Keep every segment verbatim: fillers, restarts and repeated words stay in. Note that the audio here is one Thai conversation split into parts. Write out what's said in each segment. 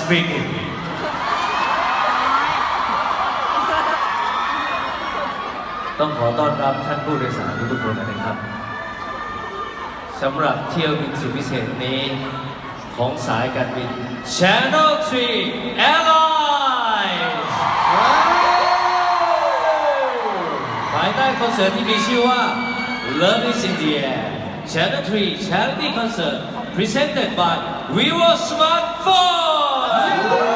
speaking ต้องขอต้อนรับท่านผู้โดยสารทุกๆคนนะครับสำหรับเที่ยวบินสุดพิเศษนี้ของสายการบิน Channel ทรี Airlines ภายใต้คอนเสิร์ตที่มีชื่อว่า Love is in the Air Channel ทรี Charity Concert Presented by Vivo Smartphone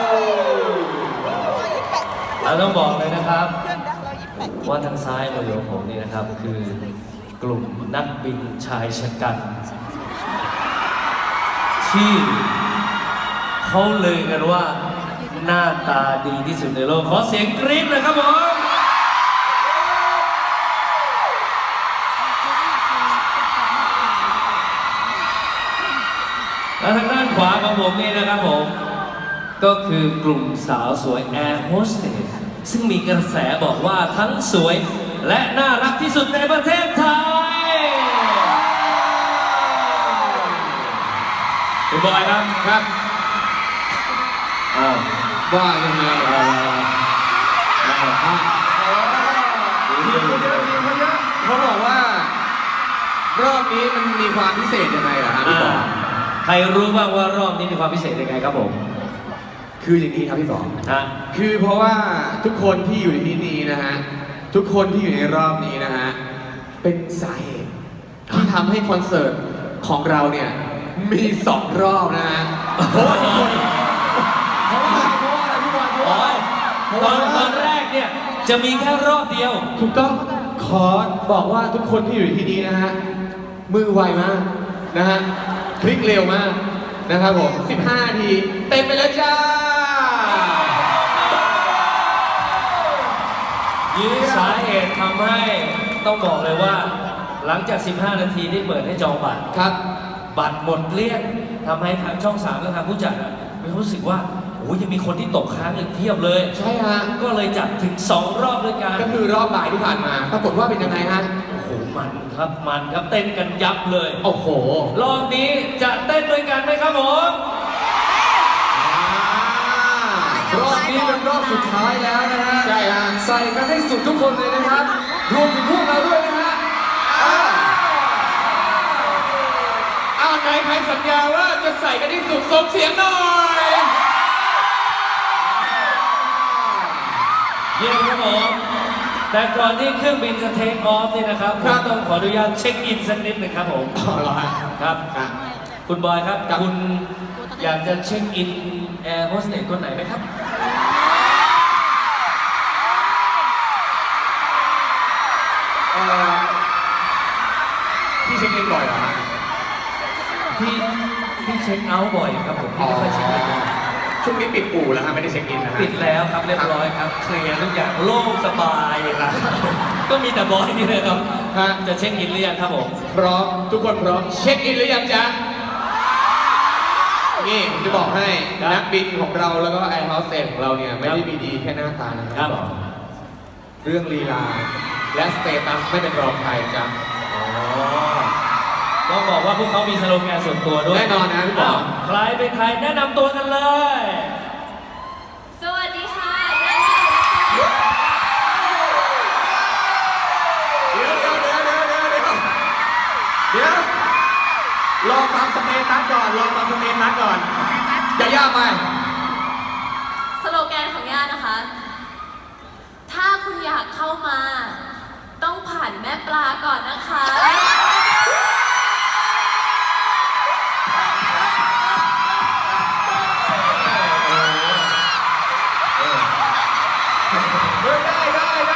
เราต้องบอกเลยนะครับว่าทางซ้ายมือของผมนี่นะครับคือกลุ่มนักบินชายชะกันที่เขาเลยกันว่าหน้าตาดีที่สุดในโลกขอเสียงกรี๊ดเลยครับผมและทางด้านขวาของผมนี่นะครับผมก็คือกลุ่มสาวสวยแอร์โฮสเตสซึ่งมีกระแสบอกว่าทั้งสวยและน่ารักที่สุดในประเทศไทยคุณบอยครับครับอ้าวว่ายังไงอ่าเขาบอกว่ารอบนี้มันมีความพิเศษยังไงล่ะฮะพี่บอยใครรู้บ้างว่ารอบนี้มีความพิเศษยังไงครับผมคืออย่างนี้ครับพี่บอยฮะคือเพราะว่าทุกคนที่อยู่ในที่นี้นะฮะทุกคนที่อยู่ในรอบนี้นะฮะเป็นสาเหตุที่ทำให้คอนเสิร์ตของเราเนี่ยมีสองรอบนะฮะเพราะว่าทุกคนเพราะว่าเพราะว่าอะไรพี่บอยเพราะว่าตอนตอนแรกเนี่ยจะมีแค่รอบเดียวถูกต้องขอบอกว่าทุกคนที่อยู่ที่นี้นะฮะมือไวมากนะฮะคลิกเร็วมากนะครับผมสิบห้านาทีเต็มไปแล้วจ้ายื้อสาเหตุทำให้ต้องบอกเลยว่าหลังจากสิบห้านาทีที่เปิดให้จองบัตรครับบัตรหมดเกลี้ยงทำให้ทางช่องสามและทางผู้จัดมีความรู้สึกว่าโอ้ยยังมีคนที่ตกค้างอีกเทียบเลยใช่ฮะก็เลยจัดถึงสองรอบด้วยกันก็คือรอบบ่ายที่ผ่านมาปรากฏว่าเป็นยังไงฮะโอ้โหมันครับมันครับเต้นกันยับเลยโอ้โหรอบนี้จะเต้นด้วยกันไหมครับผมรอบนี้เป็นรอบสุดท้ายแล้วนะฮะใช่ฮะใส่กันให้สุดทุกคนเลยนะครับรวมถึงพวกเราด้วยนะฮะอ้าวไหนใครสัญญาว่าจะใส่กันให้สุดส่งเสียงหน่อยเยี่ยมครับผมแต่ก่อนที่เครื่องบินจะเทคออฟนี่นะครับผมต้องขออนุญาตเช็คอินสักนิดหนึ่งครับผมอ๋อเหรอครับคุณบอยครับคุณอยากจะเช็คอินแอร์โฮสเตสคนไหนไหมครับพี่เช็คอินบ่อยเหรอฮะพี่พี่เช็คเอาท์บ่อยครับผมพี่ไม่ค่อยเช็คอินช่วงนี้ปิดอู่แล้วฮะไม่ได้เช็คอินนะปิดแล้วครับเรียบร้อยครับเคลียร์ทุกอย่างโล่งสบายครับก็มีแต่บอยนี่เลยครับจะเช็คอินหรือยังครับผมพร้อมทุกคนพร้อมเช็คอินหรือยังจ๊ะนี่ผมจะบอกให้นักบินของเราแล้วก็แอร์โฮสเตสของเราเนี่ยไม่ได้มีดีแค่หน้าตานะครับเรื่องลีลาและสเตตัสไม่เป็นรองใครจ๊ะต้องบอกว่าพวกเขามีสโลแกนส่วนตัวด้วยแน่นอนนะพี่บอลใครเป็นใครแนะนำตัวกันเลยสวัสดีค่ะเดี๋ยวเดี๋ยวเดี๋ยวเดี๋ยวเดี๋ยวเดี๋ยวเดี๋ยวรอฟังสเตตัสก่อนรอฟังสเตตัสก่อนอย่ายากไปสโลแกนของย่านะคะถ้าคุณอยากเข้ามาต้องผ่านแม่ปลาก่อนนะคะได้ได้ได้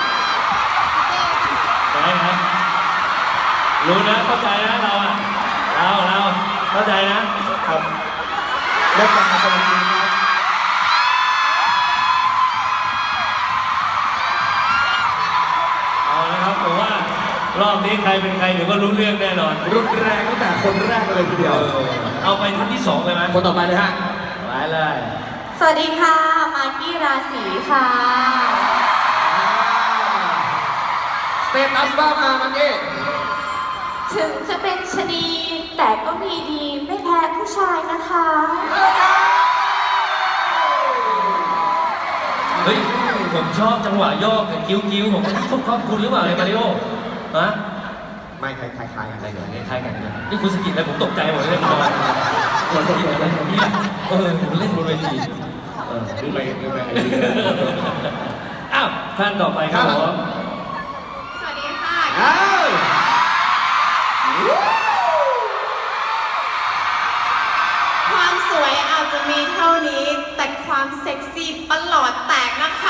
ได้ไหมรู้นะเข้าใจนะเราอ่ะเราเราเข้าใจนะครับแม่ปลาสวัสดีครับเอาละครับผมว่ารอบนี้ใครเป็นใครเดี๋ยวก็รู้เรื่องแน่นอนรุนแรงตั้งแต่คนแรกเลยทีเดียวเอาไปท่านที่สองเลยไหมคนต่อไปเลยฮะไปเลยสวัสดีค่ะมากกี้ราศีค่ะสเตตัสบ้างมาเมื่อกี้ถึงจะเป็นชนีแต่ก็มีดีไม่แพ้ผู้ชายนะคะเฮ้ย ผมชอบจังหวะโยกกับกิ้วกิ้วๆผมชอบคุณหรือเปล่าไอ้มาริโอฮะไม่คล้ายๆคล้ายๆกันอะไรอย่างเงี้ยคล้ายกันนะนี่คุณสกิดอะไรผมตกใจหมดเลยผมคุณสกิดอะไรเนี่ยเออผมเล่นบนเวทีเออดูไปดูไปอ้าวท่านต่อไปครับผมสวัสดีค่ะอ้าวความสวยอาจจะมีเท่านี้ แต่ความเซ็กซี่ประหลอดแตกนะคะ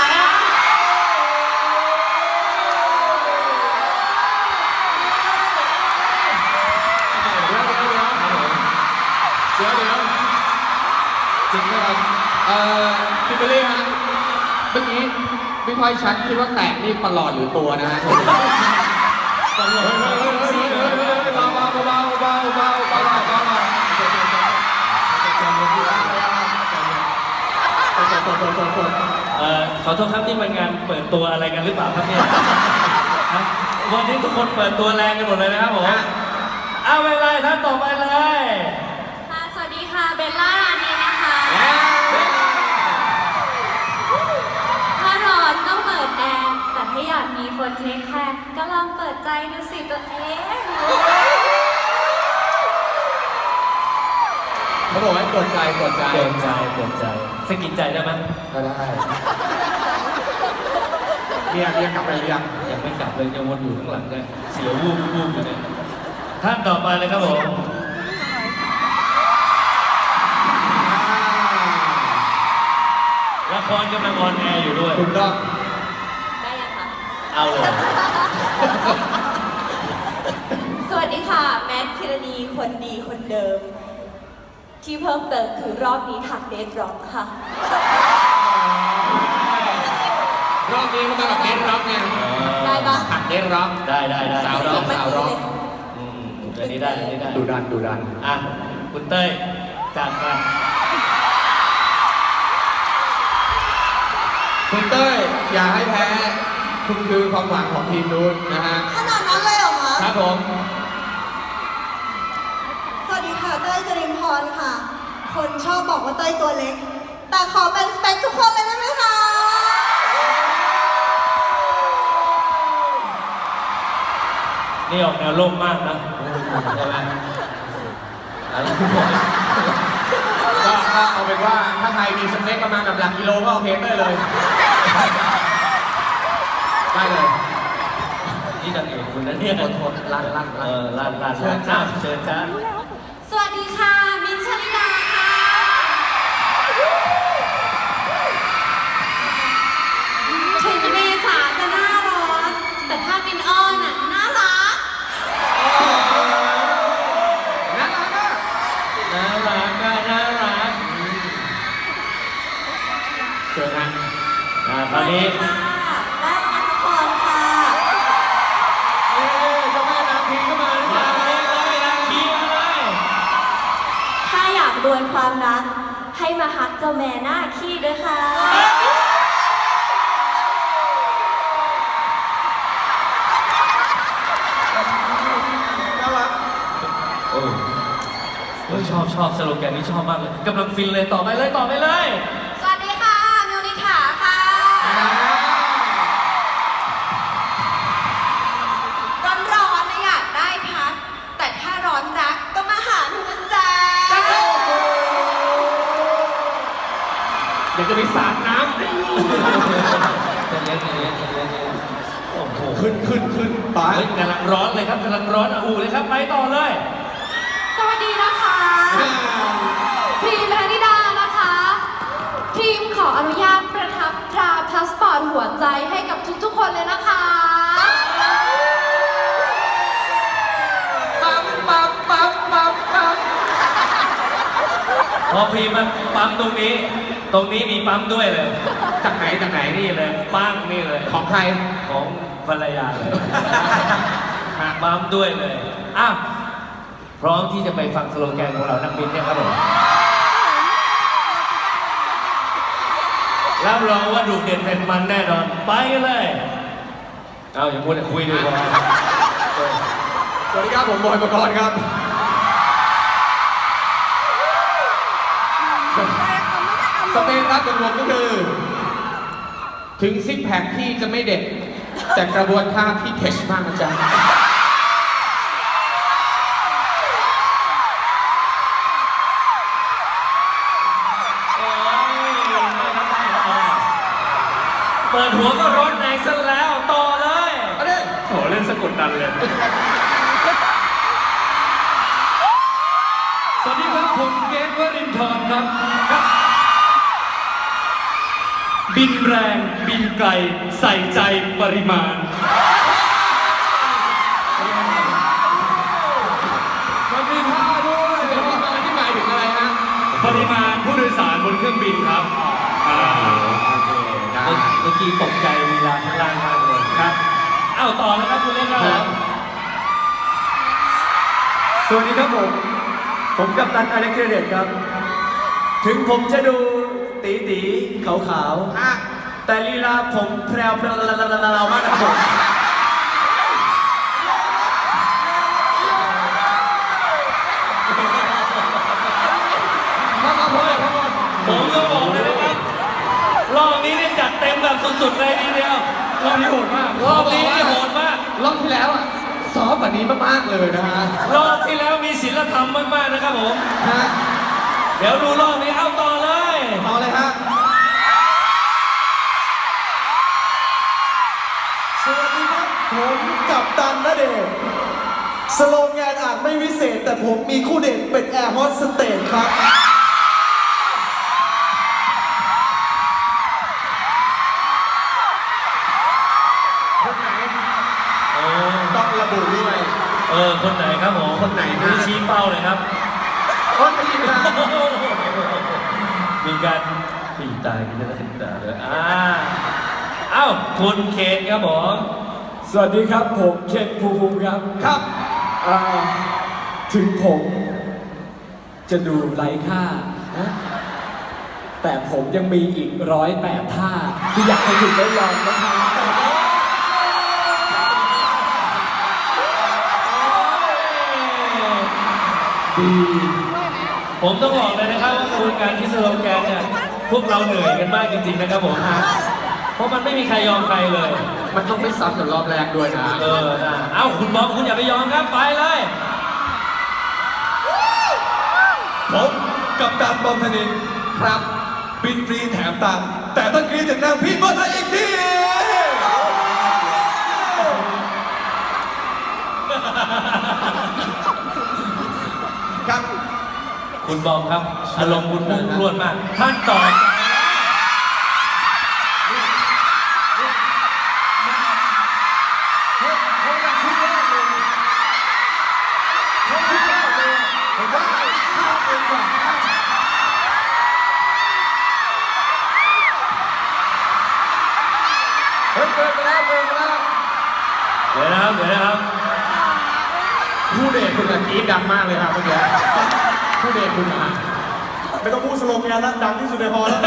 เดี๋ยวเดี๋ยวเดี๋ยวจริงไหมครับเอ่อพี่เบลลี่ฮะเมื่อกี้พี่พลอยชัดคิดว่าแตกนี่ประหลอดหรือตัวนะฮะตลกเบาเบาเบาเบาเบาเบาเบาเบาเบาเอ่อขอโทษครับนี่มันงานเปิดตัวอะไรกันหรือเปล่าครับเนี่ยฮะวันนี้ทุกคนเปิดตัวแรงกันหมดเลยนะครับผมเอาไปเลยท่านต่อไปเลยค่ะ สวัสดีค่ะ เบลล่านี่นะคะ ถ้าร้อนต้องเปิดแอร์ แต่ถ้าอยากมีคนเทคแคร์ก็ลองเปิดใจดูสิตัวเองเขาบอกให้กดใจกดใจเกินใจเกินใจสกินใจได้ไหมก็ได้เมียเมียกลับไปหรือยังยังไม่กลับเลยยังวนอยู่ข้างหลังเลยเสียววูบวูบอยู่เนี่ยท่านต่อไปเลยครับผมละครกำลังออนแอร์อยู่ด้วยถูกต้องได้ยังคะเอาเลยสวัสดีค่ะ แมทพิรณีคนดีคนเดิม ที่เพิ่มเติมคือรอบนี้ถักเดทร็อกค่ะรอบนี้เขามากับเดนร็อกไงได้ปะหักเดนร็อกได้ได้ได้สาวร็อกสาวร็อกอืมอันนี้ได้อันนี้ได้ดูดันดูดันอ่ะคุณเต้ยจากกันคุณเต้ยอย่าให้แพ้ คุณคือความหวังของทีมนู้นนะฮะขนาดนั้นเลยเหรอคะครับผมสวัสดีค่ะเต้ยจรินพรค่ะ คนชอบบอกว่าเต้ยตัวเล็ก แต่ขอเป็นสเปคทุกคนเลยได้ไหมคะนี่ออกแนวโลกมากนะใช่ไหมอะไรคุณบอกก็ก็เอาเป็นว่าถ้าใครมีสเปคประมาณกับหลักกิโลก็โอเคเต้ยเลย ได้เลยนี่นางเอกคุณนะเนี่ยทนทนลั่นลั่นเอลั่นอลานลานลานอ้าวเชิญจ้าสวัสดีค่ะ มินท์ชลิดาค่ะ ถึงเมษาจะหน้าร้อน แต่ถ้ามินอ้อนน่ะน่ารักน่ารักอ่ะน่ารักอะน่ารักเชิญฮะอ่าตอนนี้ค่ะแม่นัทพรค่ะเอ้ยเจ้าแม่นางพีก็มาหรือเปมาล่าเลยเลยนางคีมาเลยถ้าอยากรวยความรัก ให้มาฮักเจ้าแม่หน้าขี้ด้วยค่ะน่ารักโอ้เฮ้ยชอบชอบสโลแกนนี้ชอบมากเลยกำลังฟินเลยต่อไปเลยต่อไปเลยสวัสดีค่ะ มิวนิถาค่ะร้อนร้อนๆนะอยากได้พัก แต่ถ้าร้อนรักก็มาหาหนูนะจ๊ะอยากจะไปสาดน้ใจเย็นใจเย็นใจเย็นใจเย็นโอ้โหำขึ้นขึ้นขึ้นไปเฮ้ยกำลังร้อนเลยครับกำลังร้อนอ่ะอูเลยครับไปต่อเลยสวัสดีนะคะ พรีมพนิดานะคะ พรีมขออนุญาตประทับตราพาสปอร์ตหัวใจให้กับทุกๆคนเลยนะคะปั๊มปั๊มปั๊มปั๊มปั๊มพอพีมันปั๊มตรงนี้ ตรงนี้มีปั๊มด้วยเลยจากไหนจากไหนนี่นี่เลยปั้งนี่เลยของใครของภรรยาเลยปั๊มด้วยเลยอ้าวพร้อมที่จะไปฟังสโลแกนของเรานักบินเนี่ยครับผมรับรองว่าดูเด่นเป็นมันแน่นอนไปกันเลยเอาอย่าพูดแต่คุยดีกว่าสวัสดีครับผมบอยปกรณ์ครับสเปนครับเป็นผมก็คือถึงซิกแพคพี่จะไม่เด็ด แต่กระบวนท่าพี่เทชมากนะจ๊ะเปิดหัวก็ร้อนแรงซะแล้วต่อเลยเอาดิโหเล่นสะกดดันเลย สวัสดีครับผมเกตวรินทร์ครับครับ บินแรงบินไกลใส่ใจปริมาณมันมีท่าด้วยปริมาณที่หมายถึงอะไรฮะปริมาณผู้โดยสารบนเครื่องบินครับอ่าโอเคได้เมื่อกี้ตกใจเวลาข้างล่างมากเลยครับเอ้าต่อเลยครับคุณเล่นครับผมสวัสดีครับผม ผมกัปตันอเล็กเทเดตครับ ถึงผมจะดูตีตีขาวขาวๆฮะแต่ลีลาผมแพรวพราวๆมากนะครับผมมามาพอเลยพอผมก็บอกเลยนะครับรอบนี้เนี่ยจัดเต็มแบบสุดๆเลยทีเดียวรอบนี้โหดมากรอบนี้นี่โหดมากรอบที่แล้วอ่ะซอฟต์กว่านี้มากๆเลยนะฮะรอบที่แล้วมีศีลธรรมมากๆนะครับผมฮะเดี๋ยวดูรอบนี้เอาต่อเลยต่อเลยฮะสวัสดีครับ ผมกัปตันณเดชน์สโลแกนอาจไม่วิเศษ แต่ผมมีคู่เด่นเป็นแอร์โฮสเตสครับคนไหนโอ้ต้องระบุด้วยเออคนไหนครับผมคนไหนฮะชี้เป้าเลยครับคนทีมนะมีการปีตายกันเลยตาเลยอ่าเอ้าคุณเคนครับผมสวัสดีครับ ผมเคนภูมิภูมิครับครับอ่าถึงผมจะดูไร้ค่านะแต่ผมยังมีอีกร้อยแปดท่า ที่อยากให้คุณได้ลองนะครับดี ผมต้องบอกเลยนะครับว่าคุณการคิดสโลแกนเนี่ยพวกเราเหนื่อยกันมากจริงๆนะครับผมเพราะมันไม่มีใครยอมใครเลยมันต้องไม่ซ้ำกับรอบแรกด้วยนะเออนะเอ้าคุณบอมคุณอย่าไปยอมครับไปเลยผมกับตันบอมธนินครับบินฟรีแถมตังค์แต่ต้องกรีดจากนางพี่เบิร์ดอีกทีครับคุณบอมครับอารมณ์คุณพุ่งพรวดมาก ท่านต่อเฮ้ยเกินไปแล้วเกินไปแล้วเดี๋ยวนะครับเดี๋ยวนะครับคู่เดทคุณอะกรี๊ดดังมากเลยครับเมื่อกี้คู่เดทคุณอะไม่ต้องพูดสโลแกนนะดังที่สุดในฮอลแล้ว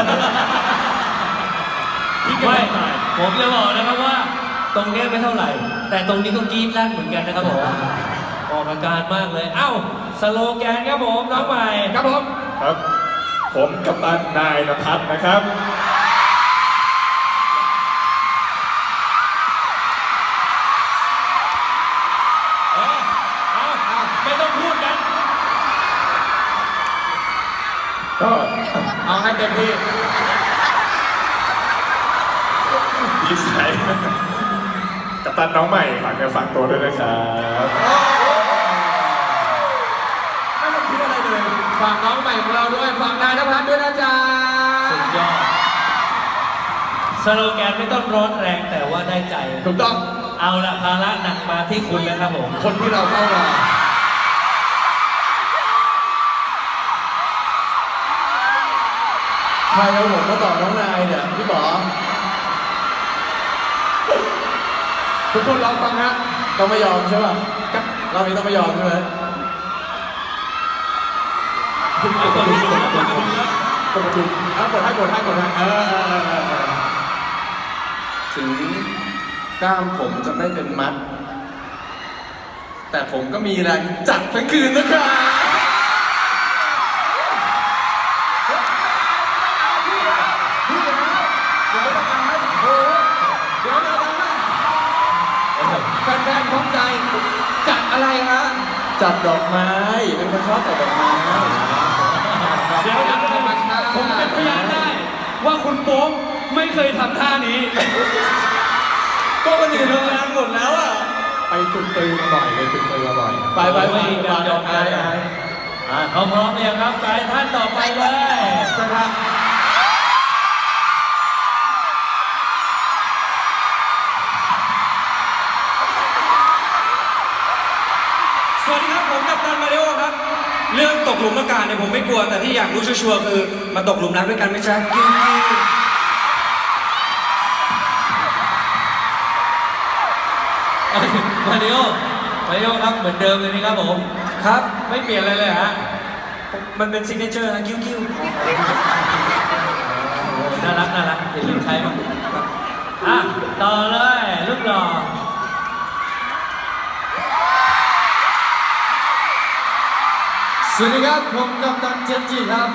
ไม่ผมจะบอกนะครับว่า ตรงเนี้ยไม่เท่าไหร่ แต่ตรงนี้ก็กรี๊ดลั่นเหมือนกันนะครับผมออกอาการมากเลย เอ้าสโลแกนครับผมน้องใหม่ครับผมครับ ผมกัปตันนายนภัสนะครับเออเอาเอาไม่ต้องพูดกันก็เอาให้เต็มที่ดีใจกัปตันน้องใหม่ฝากเนื้อฝากตัวด้วยนะครับ ไม่ต้องคิดอะไรเลยฝากน้องใหม่ของเราด้วยฝากนายนภัสด้วยนะจ๊ะสุดยอดสโลแกนไม่ต้องร้อนแรงแต่ว่าได้ใจถูกต้องเอาละภาระหนักมาที่คุณแล้วครับผมคนที่เราเข้ารอใครเอาผมมาต่อน้องนายเนี่ยพี่ป๋อทุกคนรอฟังฮะต้องไม่ยอมใช่ป่ะกับเรานี้ต้องไม่ยอมใช่ไหมเอาคนที่ดูแล้วคนที่ดูแล้วกดดูเอากดให้กดให้กดให้เออเออเออเออเออถึงกล้ามผมจะไม่เป็นมัด แต่ผมก็มีแรงจัดทั้งคืนนะครับเดี๋ยวต้องการให้โอ้โหอะไรฮะจัดดอกไม้ เป็นคนชอบจัดดอกไม้เดี๋ยวเดี๋ยวเดี๋ยวผมเป็นพยานได้ ว่าคุณโป๊มไม่เคยทำท่านี้ก็คนอื่นโรงแรมหมดแล้วอ่ะไปฝึกปืนมาบ่อยเลยฝึกปืนมาบ่อยไปไปไปไปดอกไม้อ่าเขาพร้อมเนี่ยงครับไปท่านต่อไปเลยนะครับสวัสดีครับผมกัปตันมาริโอครับ เรื่องตกหลุมอากาศเนี่ยผมไม่กลัวแต่ที่อยากรู้ชัวร์ๆคือมาตกหลุมรักด้วยกันไหมจ๊ะกิ้วกิ้วมาริโอมาริโอครับเหมือนเดิมเลยนะครับผมครับไม่เปลี่ยนอะไรเลยฮะมันเป็นซิกเนเจอร์นะกิ้วกิ้วน่ารักน่ารักอย่าลืมใช้มันอ่ะต่อเลยลูกหล่อสวัสดีครับ ผมกัปตันเจนจิครับ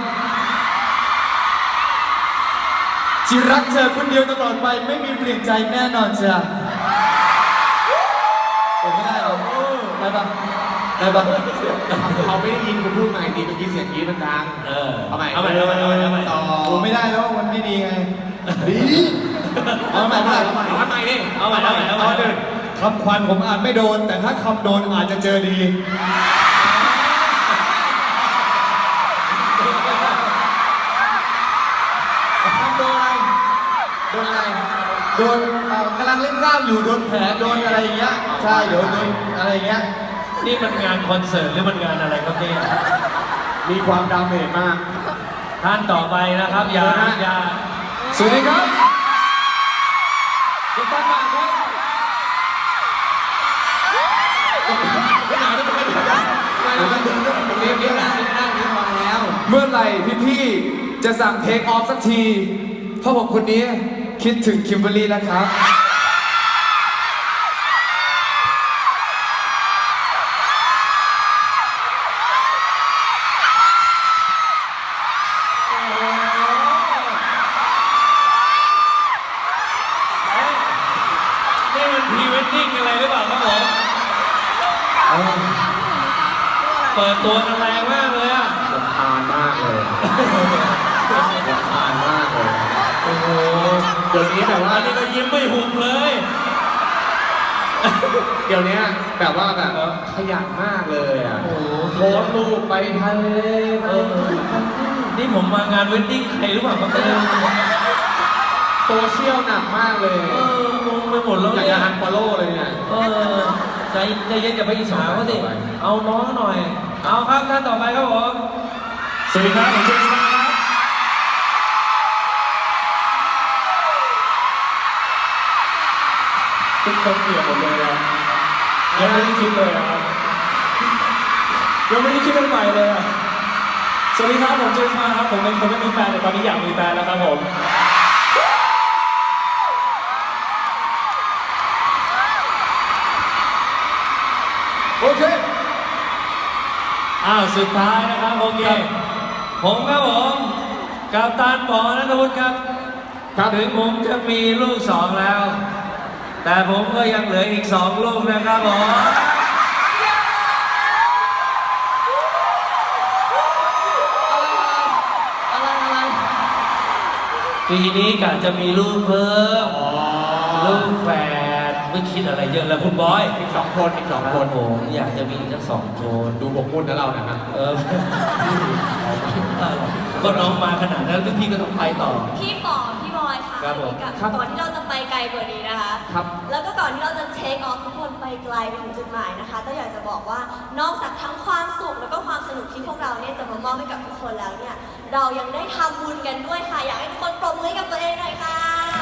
ที่รักเธอคนเดียวตลอดไปไม่มีเปลี่ยนใจแน่นอนจ้ะผมไม่ได้หรอได้ปะได้ปะเขาไม่ได้ยินคุณพูดมาดีเมื่อกี้เสียงกรี๊ดมันดังเออเอาใหม่เอาใหม่เอาใหม่เอาใหม่เอาใหม่ต่อผมไม่ได้แล้วมันไม่ดีไงดีเอาใหม่เอาใหม่เอาใหม่เอาใหม่ดิเอาใหม่เอาใหม่เอาใหม่เอาหนึ่งคำควันผมอ่านไม่โดน แต่ถ้าคำโดนอาจจะเจอดีคำโดนอะไรโดนอะไรโดนเอ่อกำลังเล่นกล้ามอยู่โดนแผลโดนอะไรอย่างเงี้ยใช่เดี๋ยวโดนอะไรอย่างเงี้ยนี่มันงานคอนเสิร์ตหรือมันงานอะไรครับเนี่ยมีความดาเมจมากท่านต่อไปนะครับอย่าเดี๋ยวนะอย่าสวัสดีครับคุณตั้งมาครับเรียบเรียบนั่งเรียบนั่งเรียบพอแล้วเมื่อไหร่พี่ๆจะสั่งเทคออฟสักที เพราะผมคนนี้คิดถึงคิมเบอรรี่นะครับนี่มันพรีเวดดิ้งอะไรหรือเปล่าครับผมเปิดตัวกันแรงมากเลยอ่ะรำคาญมากเลยรำคาญมากเลยโอ้โหเดี๋ยวนี้แบบว่าอันนี้ก็ยิ้มไม่หุบเลยเดี๋ยวนี้แบบว่าแบบขยันมากเลยอ่ะโอ้โหโพสต์รูปไปทะเลไปเออนี่ผมมางานเวดดิ้งใครหรือเปล่าครับเนี่ยโซเชียลหนักมากเลยเอองงไปหมดแล้วอยากเนี่จะยอันฟอลโล่เลยเนี่ยเออใจใจเย็นอย่าไปอิจฉาเขาสิ เอาน้องหน่อย เอาครับท่านต่อไปครับผมสวัสดีครับผมเจมส์มาครับทุกคนเปลี่ยนหมดเลยอะยังไม่ได้คิดเลยอะครับยังไม่ได้คิดเป็นใหม่เลยอะสวัสดีครับผมเจมส์มาครับผมเป็นคนไม่มีแฟนแต่ตอนนี้อยากมีแฟนแล้วครับผม โอเคอ้าวสุดท้ายนะครับโอเค ผมครับผมกัปตันปอนัทวุฒิครับครับถึงผมจะมีลูกสองแล้ว แต่ผมก็ยังเหลืออีกสองลูกนะครับผมอะไรอะไรปีนี้กะจะมีลูกเพิ่ม ลูกแฝดไม่คิดอะไรเยอะแล้วคุณบอยอีกสองคนอีกสองคคน นผมอยากจะมีอีกสักสองคนดูบกมุ่นนะเรานะครับเออ ก็น้องมาขนาดนั้นพี่ก็ต้องไปต่อพี่ปอพี่บอยค่ะครับผมกับครับก่อนที่เราจะไปไกลกว่านี้นะคะครับแล้วก็ก่อนที่เราจะเทคออฟทุกคนไปไกลไปถึงจุดหมายนะคะต้องอยากจะบอกว่านอกจากทั้งความสุขแล้วก็ความสนุกที่พวกเราเนี่ยจะมามอบให้กับทุกคนแล้วเนี่ย เรายังได้ทำบุญกันด้วยค่ะ อยากให้ทุกคนปรบมือให้กับตัวเองหน่อยค่ะ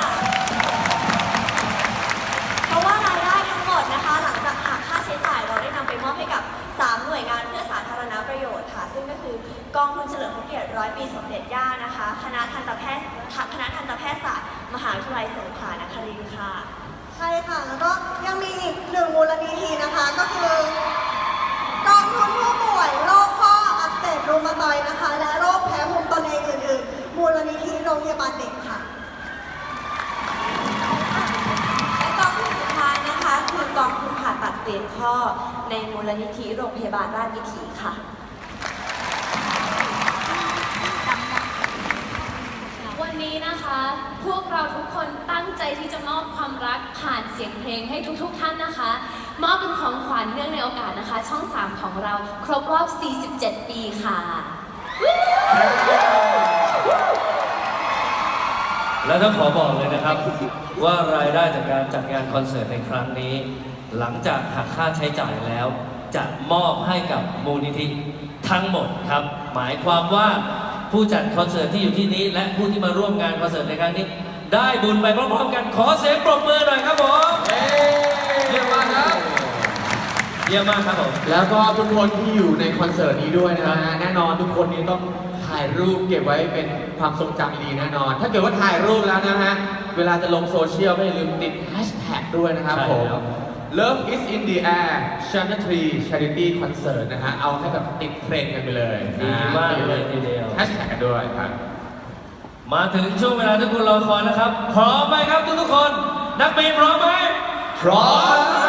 เพราะว่ารายได้ทั้งหมดนะคะ หลังจากหักค่าใช้จ่ายเราได้นำไปมอบให้กับสามหน่วยงานเพื่อสาธารณประโยชน์ค่ะ ซึ่งก็คือกองทุนเฉลิมพระเกียรติร้อยปีสมเด็จย่านะคะ คณะทันตแพทย์คณะทันตแพทยศาสตร์มหาวิทยาลัยสงขลานครินทร์ค่ะใช่ค่ะ แล้วก็ยังมีอีกหนึ่งมูลนิธินะคะ ก็คือกองทุนผู้ป่วยโรคข้ออักเสบรูมาตอยด์นะคะ และโรคแพ้ภูมิตนเองอื่นๆ มูลนิธิโรงพยาบาลเด็กค่ะและกองทุนสุดท้ายนะคะ คือกองทุนผ่าตัดเตีนข้อในมูลนิธิโรงพยาบาลราชวิถีค่ะวันนี้นะคะ พวกเราทุกคนตั้งใจที่จะมอบความรักผ่านเสียงเพลงให้ทุกๆท่านนะคะ มอบเป็นของขวัญเนื่องในโอกาสนะคะ ช่อง สาม ของเราครบรอบ สี่สิบเจ็ด ปีค่ะและต้องขอบอกเลยนะครับ ว่ารายได้จากการจัดงานคอนเสิร์ตในครั้งนี้ หลังจากหักค่าใช้จ่ายแล้ว จะมอบให้กับมูลนิธิทั้งหมดครับ หมายความว่าผู้จัดคอนเสิร์ตที่อยู่ที่นี้ และผู้ที่มาร่วมงานคอนเสิร์ตในครั้งนี้ ได้บุญไปพร้อมๆกันขอเสียงปรบมือหน่อยครับผมเยี่ยมมากครับเยี่ยมมากครับผมแล้วก็ทุกคนที่อยู่ในคอนเสิร์ตนี้ด้วยนะฮะแน่นอนทุกคนนี้ต้องถ่ายรูปเก็บไว้เป็นความทรงจำดีๆแน่นอน ถ้าเกิดว่าถ่ายรูปแล้วนะฮะเวลาจะลงโซเชียลก็อย่าลืมติดแฮชแท็กด้วยนะครับใช่ผมครับ Love is in the air Channel ทรี Charity Concert นะฮะเอาให้แบบติดเทรนด์กันไปเลยดีมากเลยทีเดียวแฮชแท็กกันด้วยครับมาถึงช่วงเวลาที่คุณรอคอยนะครับ พร้อมไหมครับทุกๆคน นักบินพร้อมไหมพร้อม